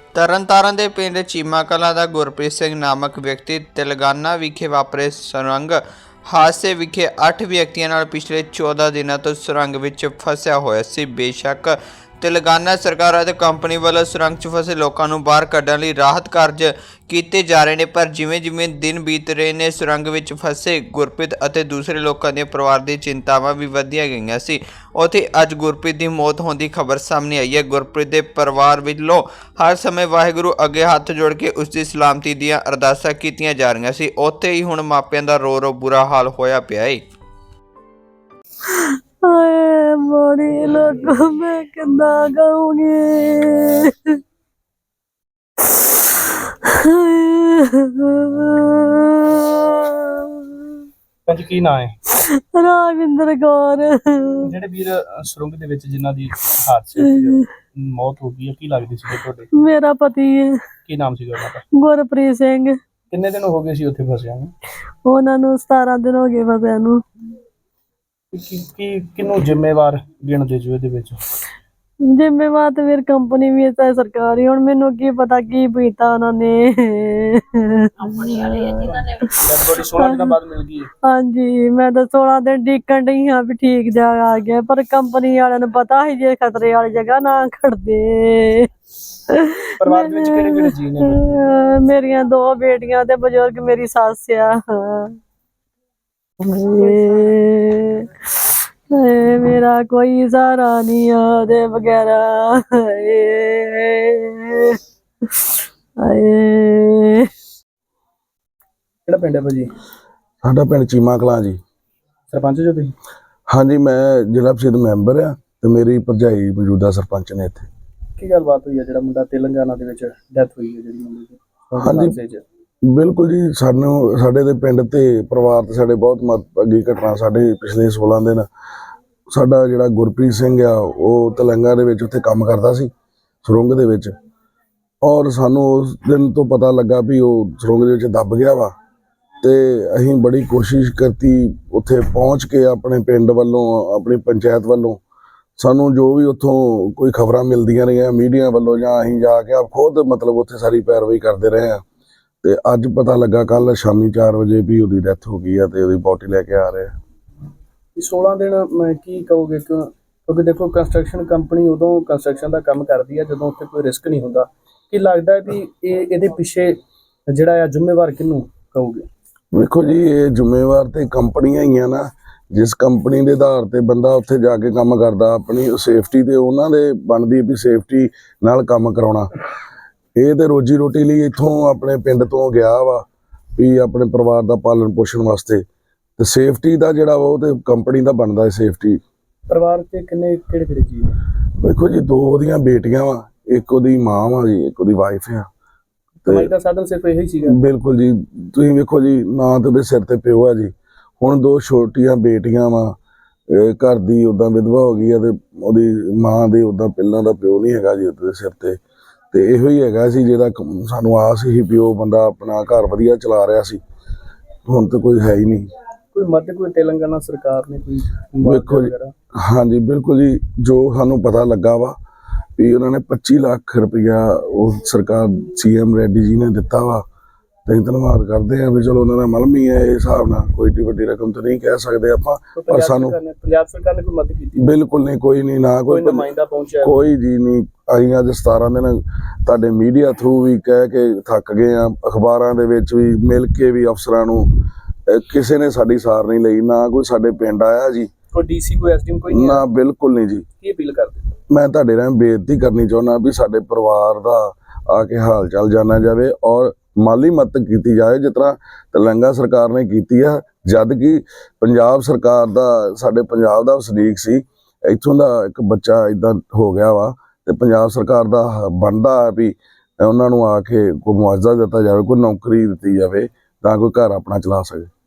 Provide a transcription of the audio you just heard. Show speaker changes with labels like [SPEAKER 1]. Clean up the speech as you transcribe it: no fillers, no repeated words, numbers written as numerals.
[SPEAKER 1] ਤਰਨਤਾਰਨ ਦੇ ਪਿੰਡ ਚੀਮਾ ਕਲਾਂ ਦਾ ਗੁਰਪ੍ਰੀਤ ਸਿੰਘ ਨਾਮਕ ਵਿਅਕਤੀ ਤੇਲੰਗਾਨਾ ਵਿਖੇ ਵਾਪਰੇ ਸੁਰੰਗ ਹਾਦਸੇ ਵਿਖੇ 8 ਵਿਅਕਤੀਆਂ ਨਾਲ ਪਿਛਲੇ 14 ਦਿਨਾਂ ਤੋਂ ਸੁਰੰਗ ਵਿੱਚ ਫਸਿਆ ਹੋਇਆ ਸੀ। ਬੇਸ਼ੱਕ ਤੇਲੰਗਾਨਾ ਸਰਕਾਰ ਅਤੇ ਕੰਪਨੀ ਵੱਲੋਂ ਸੁਰੰਗ 'ਚ ਫਸੇ ਲੋਕਾਂ ਨੂੰ ਬਾਹਰ ਕੱਢਣ ਲਈ ਰਾਹਤ ਕਾਰਜ ਕੀਤੇ ਜਾ ਰਹੇ ਨੇ, ਪਰ ਜਿਵੇਂ ਦਿਨ ਬੀਤ ਰਹੇ ਨੇ ਸੁਰੰਗ ਵਿੱਚ ਫਸੇ ਗੁਰਪ੍ਰੀਤ ਅਤੇ ਦੂਸਰੇ ਲੋਕਾਂ ਦੇ ਪਰਿਵਾਰ ਦੀ ਚਿੰਤਾਵਾਂ ਵੀ ਵਧੀਆਂ ਗਈਆਂ ਸੀ। ਉੱਥੇ ਅੱਜ ਗੁਰਪ੍ਰੀਤ ਦੀ ਮੌਤ ਹੋਣ ਦੀ ਖਬਰ ਸਾਹਮਣੇ ਆਈ ਹੈ। ਗੁਰਪ੍ਰੀਤ ਦੇ ਪਰਿਵਾਰ ਵੱਲੋਂ ਹਰ ਸਮੇਂ ਵਾਹਿਗੁਰੂ ਅੱਗੇ ਹੱਥ ਜੋੜ ਕੇ ਉਸ ਦੀ ਸਲਾਮਤੀ ਦੀਆਂ ਅਰਦਾਸਾਂ ਕੀਤੀਆਂ ਜਾ ਰਹੀਆਂ ਸੀ। ਉੱਥੇ ਹੀ ਹੁਣ ਮਾਪਿਆਂ ਦਾ ਰੋ ਬੁਰਾ ਹਾਲ ਹੋਇਆ ਪਿਆ ਹੈ।
[SPEAKER 2] ਹਾਏ ਬੜੀ ਲੋਕੋ ਮੈਂ ਕਿੱਦਾਂ ਕਹੂੰਗੀ।
[SPEAKER 3] ਅੱਜ ਕੀ ਨਾਂ ਹੈ?
[SPEAKER 2] ਰਾਜਿੰਦਰ ਕੌਰ।
[SPEAKER 3] ਜਿਹੜੇ ਵੀਰ ਸੁਰੰਗ ਦੇ ਵਿੱਚ ਜਿਨ੍ਹਾਂ ਦੀ ਹਾਦਸੇ ਵਿੱਚ ਮੌਤ ਹੋ ਗਈ ਹੈ, ਕੀ ਲੱਗਦੀ ਸੀ ਤੁਹਾਡੇ?
[SPEAKER 2] ਮੇਰਾ ਪਤੀ ਹੈ।
[SPEAKER 3] ਕੀ ਨਾਮ ਸੀਗਾ ਉਹਨਾਂ ਦਾ?
[SPEAKER 2] ਗੁਰਪ੍ਰੀਤ ਸਿੰਘ।
[SPEAKER 3] ਕਿੰਨੇ ਦਿਨ ਹੋ ਗਏ ਸੀ ਉੱਥੇ ਫਸਿਆ ਨੂੰ?
[SPEAKER 2] ਉਹਨਾਂ ਨੂੰ 17 ਦਿਨ ਹੋ ਗਏ ਫਸਿਆ ਨੂੰ।
[SPEAKER 3] ਕਿਹਨੂੰ ਜ਼ਿੰਮੇਵਾਰ ਗਿਣਦੇ ਜੋ ਇਹਦੇ ਵਿੱਚ?
[SPEAKER 2] ਜ਼ਿੰਮੇਵਾਰ ਤੇ ਫਿਰ ਕੰਪਨੀ ਵੀ ਹੈ, ਸਰਕਾਰੀ। ਹੁਣ ਮੈਨੂੰ ਕੀ ਪਤਾ ਕੀ ਪੀਤਾ ਉਹਨਾਂ ਨੇ।
[SPEAKER 3] ਕੰਪਨੀ ਵਾਲੇ ਜਿਨ੍ਹਾਂ ਨੇ 16 ਦਿਨਾਂ ਬਾਅਦ ਮਿਲ ਗਈ।
[SPEAKER 2] ਹਾਂਜੀ, ਮੈਂ ਤਾਂ 16 ਦਿਨ ਡੀਕਣ ਡਈ ਹਾਂ ਵੀ ਠੀਕ ਜਾ ਆ ਗਿਆ, ਪਰ ਕੰਪਨੀ ਵਾਲਿਆਂ ਨੂੰ ਪਤਾ ਸੀ ਜੇ ਖਤਰੇ ਵਾਲੀ ਜਗ੍ਹਾ ਨਾ ਖੜਦੇ।
[SPEAKER 3] ਪਰਿਵਾਰ ਦੇ ਵਿੱਚ ਕਿਹੜੇ ਜੀ ਨੇ?
[SPEAKER 2] ਮੇਰੀਆਂ 2 ਬੇਟੀਆਂ ਤੇ ਬਜ਼ੁਰਗ ਮੇਰੀ ਸੱਸ ਆ। ਮੇਰਾ ਕੋਈ ਸਹਾਰਾ ਨਹੀਂ ਆ ਉਹਦੇ ਵਗੈਰਾ।
[SPEAKER 3] ਕਿਹੜਾ ਪਿੰਡ ਹੈ ਭਾਜੀ?
[SPEAKER 4] ਸਾਡਾ ਪਿੰਡ ਚੀਮਾ ਕਲਾਂ ਜੀ।
[SPEAKER 3] ਸਰਪੰਚ ਜੋ ਤੁਸੀਂ?
[SPEAKER 4] ਹਾਂਜੀ, ਮੈਂ ਜ਼ਿਲ੍ਹਾ ਪ੍ਰੀਸ਼ਦ ਮੈਂਬਰ ਆ ਤੇ ਮੇਰੀ ਭਰਜਾਈ ਮੌਜੂਦਾ ਸਰਪੰਚ ਨੇ ਇੱਥੇ।
[SPEAKER 3] ਕੀ ਗੱਲਬਾਤ ਹੋਈ ਹੈ ਜਿਹੜਾ ਮੁੰਡਾ ਤੇਲੰਗਾਨਾ ਦੇ ਵਿੱਚ ਡੈਥ ਹੋਈ ਹੈ ਜਿਹੜੀ ਮੁੰਡੇ ਦੀ?
[SPEAKER 4] ਹਾਂਜੀ ਬਿਲਕੁਲ ਜੀ, ਸਾਡੇ ਦੇ ਪਿੰਡ ਤੇ ਪਰਿਵਾਰ ਤੇ ਸਾਡੇ ਬਹੁਤ ਅੱਗੀ ਘਟਨਾ। ਸਾਡੇ ਪਿਛਲੇ 16 ਦਿਨ ਸਾਡਾ ਜਿਹੜਾ ਗੁਰਪ੍ਰੀਤ ਸਿੰਘ ਆ ਉਹ ਤੇਲੰਗਾਨਾ ਦੇ ਵਿੱਚ ਉੱਥੇ ਕੰਮ ਕਰਦਾ ਸੀ ਸੁਰੰਗ ਦੇ ਵਿੱਚ, ਔਰ ਸਾਨੂੰ ਉਸ ਦਿਨ ਤੋਂ ਪਤਾ ਲੱਗਾ ਵੀ ਉਹ ਸੁਰੰਗ ਦੇ ਵਿੱਚ ਦੱਬ ਗਿਆ ਵਾ। ਤੇ ਅਸੀਂ ਬੜੀ ਕੋਸ਼ਿਸ਼ ਕੀਤੀ ਉੱਥੇ ਪਹੁੰਚ ਕੇ, ਆਪਣੇ ਪਿੰਡ ਵੱਲੋਂ ਆਪਣੀ ਪੰਚਾਇਤ ਵੱਲੋਂ ਸਾਨੂੰ ਜੋ ਵੀ ਉੱਥੋਂ ਕੋਈ ਖਬਰਾਂ ਮਿਲਦੀਆਂ ਰਹੀਆਂ ਮੀਡੀਆ ਵੱਲੋਂ, ਜਾਂ ਅਸੀਂ ਜਾ ਕੇ ਆਪ ਖੁਦ ਮਤਲਬ ਉੱਥੇ ਸਾਰੀ ਪੈਰਵਾਈ ਕਰਦੇ ਰਹੇ ਹਾਂ। ਤੇ ਅੱਜ ਪਤਾ ਲੱਗਾ ਕੱਲ ਸ਼ਾਮੀ 4 ਵਜੇ ਵੀ ਉਹਦੀ ਡੈਥ ਹੋ ਗਈ ਆ ਤੇ ਉਹਦੀ ਬੋਡੀ ਲੈ ਕੇ ਆ ਰਹੇ ਆ।
[SPEAKER 3] 16 ਦਿਨ ਮੈਂ ਕੀ ਕਹੋਗੇ? ਕਿਉਂਕਿ ਦੇਖੋ ਕੰਸਟਰਕਸ਼ਨ ਕੰਪਨੀ ਉਦੋਂ ਕੰਸਟਰਕਸ਼ਨ ਦਾ ਕੰਮ ਕਰਦੀ ਹੈ ਜਦੋਂ ਉੱਥੇ ਕੋਈ ਰਿਸਕ ਨਹੀਂ ਹੁੰਦਾ। ਕੀ ਲੱਗਦਾ ਵੀ ਇਹਦੇ ਪਿੱਛੇ ਜਿਹੜਾ ਆ ਜ਼ਿੰਮੇਵਾਰ ਕਿਹਨੂੰ ਕਹੋਗੇ?
[SPEAKER 4] ਵੇਖੋ ਜੀ, ਇਹ ਜ਼ਿੰਮੇਵਾਰ ਤੇ ਕੰਪਨੀਆਂ ਹੀ ਆ ਨਾ। ਜਿਸ ਕੰਪਨੀ ਦੇ ਆਧਾਰ ਤੇ ਬੰਦਾ ਉੱਥੇ ਜਾ ਕੇ ਕੰਮ ਕਰਦਾ, ਆਪਣੀ ਸੇਫਟੀ ਤੇ ਉਹਨਾਂ ਦੇ ਬਣਦੀ ਵੀ ਸੇਫਟੀ ਨਾਲ ਕੰਮ ਕਰਾਉਣਾ। ਇਹ ਤੇ ਰੋਜੀ ਰੋਟੀ ਲਈ ਇੱਥੋਂ ਆਪਣੇ ਪਿੰਡ ਤੋਂ ਗਿਆ ਵਾ ਵੀ ਆਪਣੇ ਪਰਿਵਾਰ ਦਾ ਪਾਲਣ ਪੋਸ਼ਣ ਵਾਸਤੇ, ਤੇ ਸੇਫਟੀ ਦਾ ਜਿਹੜਾ ਉਹ ਤੇ ਕੰਪਨੀ ਦਾ ਬਣਦਾ ਹੈ ਸੇਫਟੀ।
[SPEAKER 3] ਪਰਿਵਾਰ ਤੇ ਕਿਹੜੇ ਜੀ ਨੇ?
[SPEAKER 4] ਵੇਖੋ ਜੀ, 2 ਉਹਦੀਆਂ ਬੇਟੀਆਂ ਵਾ, ਇੱਕ ਉਹਦੀ ਮਾਂ ਵਾ ਜੀ, ਇੱਕ ਉਹਦੀ ਵਾਈਫ ਆ।
[SPEAKER 3] ਕਮਾਈ ਦਾ ਸਾਧਨ ਸਿਰਫ ਇਹੀ ਸੀਗਾ?
[SPEAKER 4] ਬਿਲਕੁਲ ਜੀ, ਤੁਸੀਂ ਵੇਖੋ ਜੀ, ਨਾ ਤੇ ਉਹਦੇ ਸਿਰ ਤੇ ਪਿਓ ਆ ਜੀ। ਹੁਣ 2 ਛੋਟੀਆਂ ਬੇਟੀਆਂ ਵਾ, ਘਰ ਦੀ ਉਦਾਂ ਵਿਧਵਾ ਹੋ ਗਈ ਆ ਤੇ ਉਹਦੀ ਮਾਂ ਦੇ ਉਦਾਂ ਪਹਿਲਾਂ ਦਾ ਪਿਓ ਨਹੀਂ ਹੈਗਾ ਜੀ ਉਹਦੇ ਸਿਰ ਤੇ। ਤੇ ਇਹੋ ਹੀ ਹੈਗਾ ਸੀ ਜਿਹਦਾ ਸਾਨੂੰ ਆਸ ਸੀ ਵੀ ਉਹ ਬੰਦਾ ਆਪਣਾ ਘਰ ਵਧੀਆ ਚਲਾ ਰਿਹਾ ਸੀ। ਹੁਣ ਤਾਂ ਕੋਈ ਹੈ ਹੀ ਨਹੀਂ।
[SPEAKER 3] ਕੋਈ ਮਦਦ ਕੋਈ ਤੇਲੰਗਾਨਾ ਸਰਕਾਰ ਨੇ ਕੋਈ?
[SPEAKER 4] ਵੇਖੋ ਜੀ, ਹਾਂਜੀ ਬਿਲਕੁਲ ਜੀ, ਜੋ ਸਾਨੂੰ ਪਤਾ ਲੱਗਾ ਵਾ ਵੀ ਉਹਨਾਂ ਨੇ 25 ਲੱਖ ਰੁਪਇਆ ਉਹ ਸਰਕਾਰ CM ਰੈਡੀ ਜੀ ਨੇ ਦਿੱਤਾ ਵਾ। ਤੇ ਧੰਨਵਾਦ ਕਰਦੇ ਆ ਵੀ ਚਲੋ ਉਹਨਾਂ ਦਾ ਮਲਮ ਹੀ ਹੈ। ਇਹ ਹਿਸਾਬ ਨਾਲ ਕੋਈ ਏਡੀ ਵੱਡੀ ਰਕਮ ਤਾਂ ਨਹੀਂ ਕਹਿ ਸਕਦੇ ਆਪਾਂ, ਪਰ ਸਾਨੂੰ
[SPEAKER 3] ਪੰਜਾਬ ਸਰਕਾਰ ਨੇ ਕੋਈ ਮਦਦ ਕੀਤੀ?
[SPEAKER 4] ਬਿਲਕੁਲ ਨਹੀਂ, ਕੋਈ ਨਹੀਂ, ਨਾ ਕੋਈ
[SPEAKER 3] ਨੁਮਾਇੰਦਾ ਪਹੁੰਚਿਆ? ਕੋਈ
[SPEAKER 4] ਜੀ ਨਹੀਂ। ਅਸੀਂ ਅੱਜ 17 ਦਿਨ ਤੁਹਾਡੇ ਮੀਡੀਆ ਥਰੂ ਵੀ ਕਹਿ ਕੇ ਥੱਕ ਗਏ ਆ, ਅਖਬਾਰਾਂ ਦੇ ਵਿੱਚ ਵੀ ਮਿਲ ਕੇ ਵੀ ਅਫਸਰਾਂ ਨੂੰ, ਕਿਸੇ ਨੇ ਸਾਡੀ ਸਾਰ ਨਹੀਂ ਲਈ। ਨਾ ਕੋਈ ਸਾਡੇ ਪਿੰਡ ਆਇਆ ਜੀ,
[SPEAKER 3] ਕੋਈ DC ਕੋਈ SDM ਕੋਈ
[SPEAKER 4] ਨਾ, ਬਿਲਕੁਲ ਨਹੀਂ ਜੀ।
[SPEAKER 3] ਕੀ ਅਪੀਲ ਕਰਦੇ?
[SPEAKER 4] ਮੈਂ ਤੁਹਾਡੇ ਨਾਲ ਬੇਨਤੀ ਕਰਨੀ ਚਾਹੁੰਦਾ ਵੀ ਸਾਡੇ ਪਰਿਵਾਰ ਦਾ ਆ ਕੇ ਹਾਲ ਚਾਲ ਜਾਣਿਆ ਜਾਵੇ ਔਰ ਮਾਲੀ ਮਦਦ ਕੀਤੀ ਜਾਏ ਜਿਸ ਤਰ੍ਹਾਂ ਤੇਲੰਗਾਨਾ ਸਰਕਾਰ ਨੇ ਕੀਤੀ ਆ। ਜਦ ਕਿ ਪੰਜਾਬ ਸਰਕਾਰ ਦਾ, ਸਾਡੇ ਪੰਜਾਬ ਦਾ ਵਸਨੀਕ ਸੀ, ਇੱਥੋਂ ਦਾ ਇੱਕ ਬੱਚਾ ਇਦਾਂ ਹੋ ਗਿਆ ਵਾ, ਤੇ ਪੰਜਾਬ ਸਰਕਾਰ ਦਾ ਬਣਦਾ ਵੀ ਉਹਨਾਂ ਨੂੰ ਆ ਕੇ ਕੋਈ ਮੁਆਵਜ਼ਾ ਦਿੱਤਾ ਜਾਵੇ, ਕੋਈ ਨੌਕਰੀ ਦਿੱਤੀ ਜਾਵੇ ਤਾਂ ਕੋਈ ਘਰ ਆਪਣਾ ਚਲਾ ਸਕੇ।